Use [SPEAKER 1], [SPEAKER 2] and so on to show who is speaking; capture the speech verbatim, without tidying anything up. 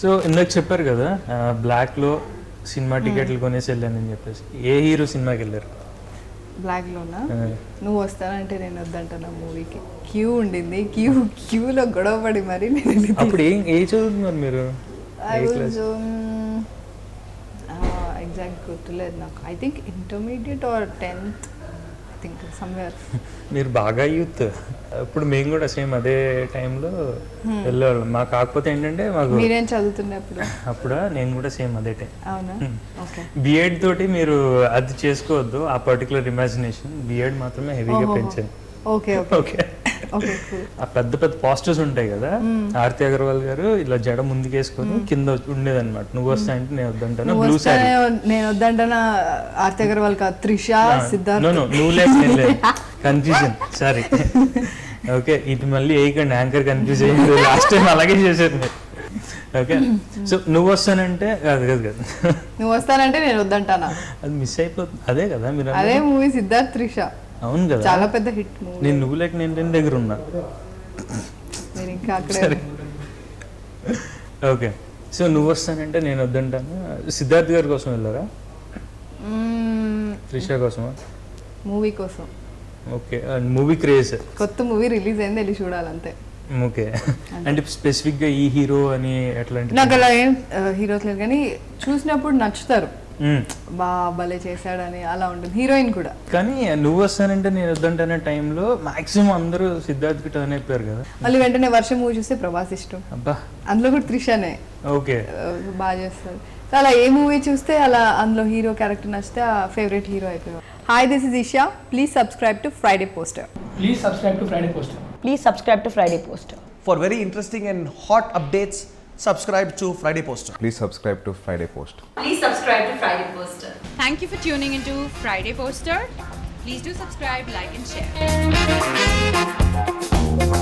[SPEAKER 1] So ఇందాక చెప్పారు కదా బ్లాక్లో సినిమా టికెట్లు కొనేసి వెళ్ళానని చెప్పేసి, ఏ హీరో సినిమాకి వెళ్ళారు?
[SPEAKER 2] బ్లాక్లోనా? నువ్వు వస్తానంటే నేను వద్దంటున్నా మూవీకి. క్యూ ఉండింది, క్యూ క్యూలో గొడవ పడి మరి నేను
[SPEAKER 1] అప్పుడు ఏం ఏ చదువుతున్నారు మీరు?
[SPEAKER 2] ఎగ్జాక్ట్ గుర్తులేదు నాకు. I think intermediate or tenth, I think somewhere.
[SPEAKER 1] మీరు బాగా యూత్. ఇప్పుడు మేము కూడా సేమ్ అదే టైంలో వెళ్ళేవాళ్ళం. మాకు కాకపోతే ఏంటంటే మాకు
[SPEAKER 2] మీరేం చదువుతుండే అప్పుడు?
[SPEAKER 1] అప్పుడా నేను కూడా సేమ్ అదే టైం.
[SPEAKER 2] అవునా? ఓకే.
[SPEAKER 1] బిఎడ్ తోటి మీరు అది చేసుకోవద్దు, ఆ పర్టికులర్ ఇమాజినేషన్. బిఎడ్ మాత్రమే హెవీగా పెంచాను.
[SPEAKER 2] Okay okay okay.
[SPEAKER 1] ఆ పెద్ద పెద్ద పోస్టర్స్ ఉంటాయి కదా, ఆర్తి అగర్వాల్ గారు ఇలా జడ ముందుకేసుకొని కింద ఉండేదన్నమాట. నువ్వు వస్తా అంటే నేను వద్దంటాను, బ్లూ సారీ.
[SPEAKER 2] నేను వద్దంటానా ఆర్తి అగర్వాల్ కాదు, త్రిష, సిద్ధార్థ్.
[SPEAKER 1] నువ్వు లేదు, కన్ఫ్యూజన్, సారీ. ఓకే, ఇది మళ్ళీ వేయకండి, యాంకర్ కన్ఫ్యూజ్ అయ్యింది. లాస్ట్ టైం అలాగే చేశారు మీరు. ఓకే, సో నువ్వు వస్తానంటే కాదు కాదు కాదు
[SPEAKER 2] నువ్వు వస్తానంటే నేను వద్దంటానా,
[SPEAKER 1] అది మిస్ అయిపోతుంది. అదే కదా మీరు
[SPEAKER 2] అదే మూవీ సిద్ధార్థ్ త్రిష.
[SPEAKER 1] అవును కదా,
[SPEAKER 2] చాలా పెద్ద హిట్ మూవీ.
[SPEAKER 1] నేను నువ్వు లేక నేను నేను దగ్గర ఉన్నా.
[SPEAKER 2] నేను ఇంకా అక్కడే.
[SPEAKER 1] ఓకే, సో నువ్వు వస్తానంటే నేను వద్దంటాను. సిద్ధార్థ్ గారి కోసం వెళ్ళారా, త్రిష కోసమా?
[SPEAKER 2] మూవీ కోసం.
[SPEAKER 1] Okay, movie craze.
[SPEAKER 2] కొత్త మూవీ రిలీజ్ అయింది, వెళ్ళి చూడాలంతే.
[SPEAKER 1] ఓకే, అంటే స్పెసిఫిక్ గా ఈ హీరో అని ఎట్లాంటి?
[SPEAKER 2] నాకు అలా ఏం హీరోస్ లేదు, కానీ చూసినప్పుడు నచ్చుతారు, బా భలే చేశాడని అలా ఉంటుంది. హీరోయిన్ కూడా.
[SPEAKER 1] కానీ నువ్వు వస్తానంటే నేను వద్దంటే టైంలో మాక్సిమం అందరూ సిద్ధార్థ్ కి టర్న్ అయిపోయారు కదా.
[SPEAKER 2] మళ్ళీ వెంటనే వర్షం మూవీ చూస్తే ప్రభాస్ ఇష్టం.
[SPEAKER 1] అబ్బా,
[SPEAKER 2] అందులో కూడా త్రిషనే.
[SPEAKER 1] ఓకే,
[SPEAKER 2] బాగా చేస్తారు. సో అలా ఏ మూవీ చూస్తే అలా అందులో హీరో క్యారెక్టర్ నచ్చితే ఆ ఫేవరెట్ హీరో అయిపోయారు. Hi, this is Isha. Please subscribe to Friday poster.
[SPEAKER 3] Please subscribe to Friday Poster.
[SPEAKER 4] Please subscribe to Friday Poster.
[SPEAKER 5] For very interesting and hot updates, subscribe to Friday Poster.
[SPEAKER 6] Please subscribe to Friday Post.
[SPEAKER 7] Please subscribe to Friday Poster.
[SPEAKER 8] Thank you for tuning into Friday Poster. Please do subscribe, like and share.